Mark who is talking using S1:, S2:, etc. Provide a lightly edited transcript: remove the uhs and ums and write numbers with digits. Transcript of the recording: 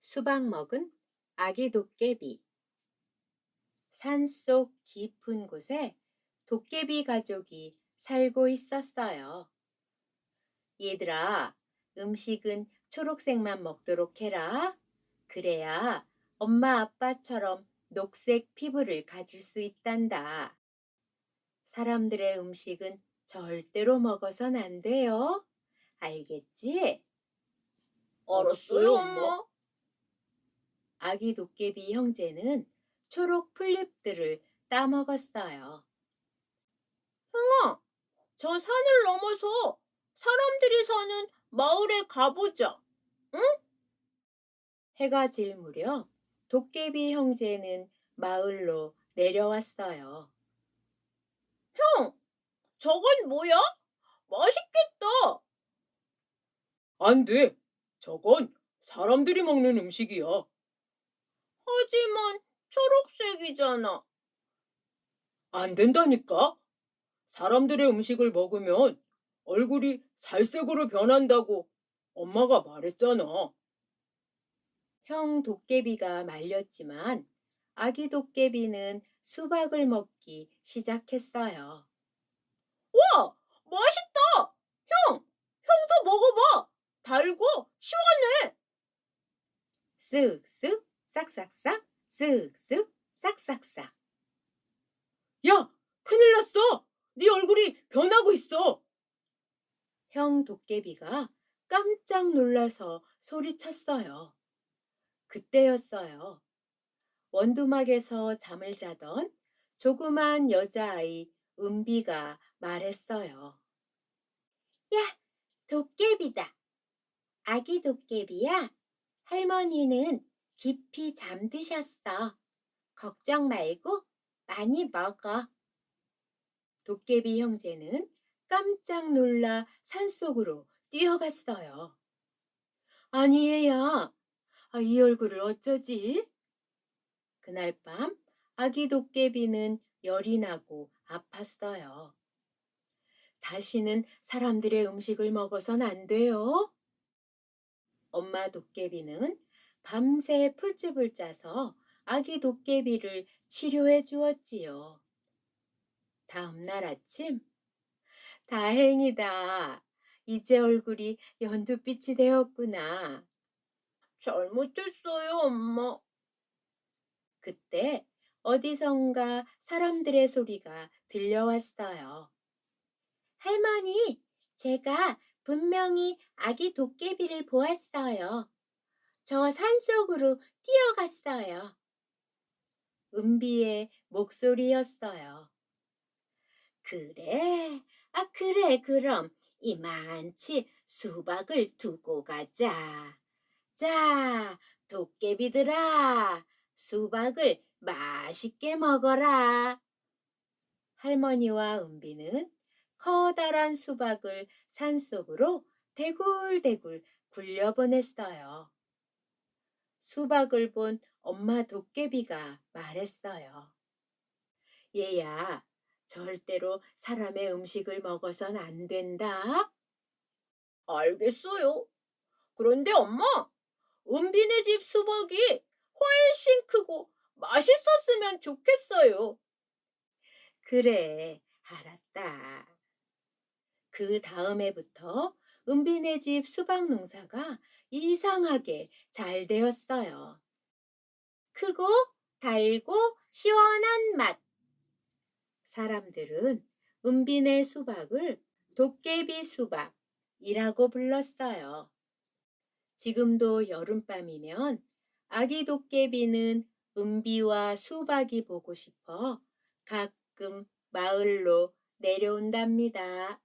S1: 수박 먹은 아기 도깨비. 산속 깊은 곳에 도깨비 가족이 살고 있었어요. 얘들아, 음식은 초록색만 먹도록 해라. 그래야 엄마 아빠처럼 녹색 피부를 가질 수 있단다. 사람들의 음식은 절대로 먹어선 안 돼요. 알겠지?
S2: 알았어요, 엄마.
S1: 아기 도깨비 형제는 초록 풀잎들을 따먹었어요. 형아, 저 산을 넘어서 사람들이 사는 마을에 가보자. 응? 해가 질 무렵 도깨비 형제는 마을로 내려왔어요. 형, 저건 뭐야? 맛있겠다.
S2: 안 돼. 저건 사람들이 먹는 음식이야.
S1: 하지만 초록색이잖아.
S2: 안 된다니까? 사람들의 음식을 먹으면 얼굴이 살색으로 변한다고 엄마가 말했잖아.
S1: 형 도깨비가 말렸지만 아기 도깨비는 수박을 먹기 시작했어요. 와, 맛있다! 형, 형도 먹어봐! 달고 시원해! 쓱쓱, 싹싹싹, 쓱쓱, 싹싹싹.
S2: 야, 큰일 났어. 네 얼굴이 변하고 있어.
S1: 형 도깨비가 깜짝 놀라서 소리쳤어요. 그때였어요. 원두막에서 잠을 자던 조그만 여자아이 은비가 말했어요. 야, 도깨비다. 아기 도깨비야. 할머니는 깊이 잠드셨어. 걱정 말고 많이 먹어. 도깨비 형제는 깜짝 놀라 산속으로 뛰어갔어요. 아니 얘야, 이 얼굴을 어쩌지? 그날 밤 아기 도깨비는 열이 나고 아팠어요. 다시는 사람들의 음식을 먹어선 안 돼요. 엄마 도깨비는 밤새 풀즙을 짜서 아기 도깨비를 치료해 주었지요. 다음 날 아침, 다행이다. 이제 얼굴이 연두빛이 되었구나. 잘못했어요, 엄마. 그때 어디선가 사람들의 소리가 들려왔어요. 할머니, 제가 분명히 아기 도깨비를 보았어요. 저 산속으로 뛰어갔어요. 은비의 목소리였어요. 그래? 그래, 그럼 이만치 수박을 두고 가자. 자, 도깨비들아, 수박을 맛있게 먹어라. 할머니와 은비는 커다란 수박을 산속으로 대굴대굴 굴려보냈어요. 수박을 본 엄마 도깨비가 말했어요. 얘야, 절대로 사람의 음식을 먹어선 안 된다. 알겠어요. 그런데 엄마, 은비네 집 수박이 훨씬 크고 맛있었으면 좋겠어요. 그래, 알았다. 그 다음 해부터 은비네 집 수박 농사가 이상하게 잘 되었어요. 크고 달고 시원한 맛. 사람들은 은비네 수박을 도깨비 수박이라고 불렀어요. 지금도 여름밤이면 아기 도깨비는 은비와 수박이 보고 싶어 가끔 마을로 내려온답니다.